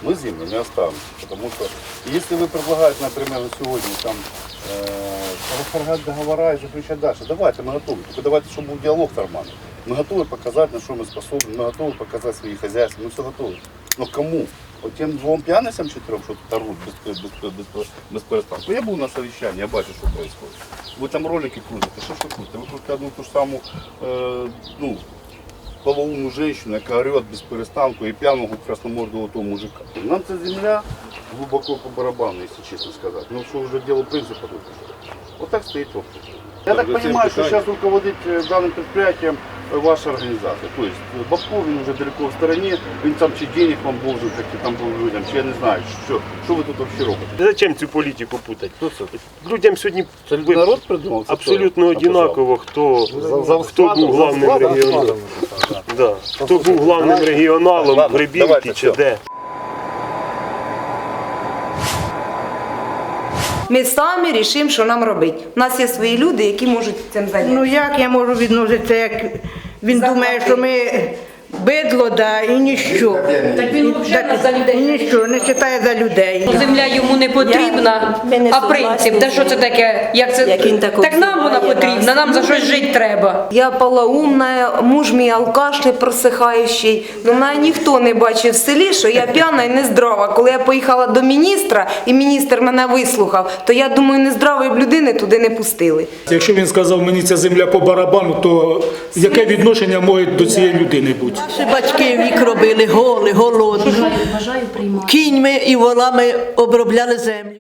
мы землю не оставим. Потому что если вы предлагаете, например, на сегодня там расторгать договора и заключать дальше, давайте, мы готовы. Только давайте, чтобы был диалог нормальный. Мы готовы показать, на что мы способны, мы готовы показать свои хозяйства, мы все готовы. Но кому? Вот тем двум пьяницам четырем, что тут орут без перестанку. Я был на совещании, я бачу, что происходит. Вы там ролики крутите, что крутите? Вы крутите одну ту же самую, полоумную женщину, яка орет без перестанку, и пьяного красномордого того мужика. Нам эта земля глубоко по барабану, если честно сказать. Ну что уже дело принципа тут. Вот так стоит вопрос. Я так понимаю, что сейчас руководит данным предприятием ваша организация. То есть Бабков, он уже далеко в стороне, він там чи денег вам должен, как и там был людям, чи я не знаю, що ви тут вообще робите. Зачем цю політику путати? Людям сьогодні Народ придумав? абсолютно однаково, хто був главним регіоналом. Да. Хто був главним регіоналом в Гребінці чи де. Ми самі рішимо, що нам робити. У нас є свої люди, які можуть цим зайнятися. Ну як я можу відноситися, як він думає, що ми бидло, да, і ніщо. Так він взагалі за людей. Ніщо, не вважає за людей. Земля йому не потрібна, а принцип, та що це таке? Як це? Так нам вона потрібна, нам за щось жити треба. Я полоумна, муж мій алкаш непросихаючий. Ну, мене ніхто не бачив в селі, що я п'яна і нездрава. Коли я поїхала до міністра, і міністр мене вислухав, то я думаю, нездравої б людини туди не пустили. Якщо він сказав, мені ця земля по барабану, то яке відношення може до цієї людини бути? Наші батьки вік робили голі, голодні. Кіньми і волами обробляли землю.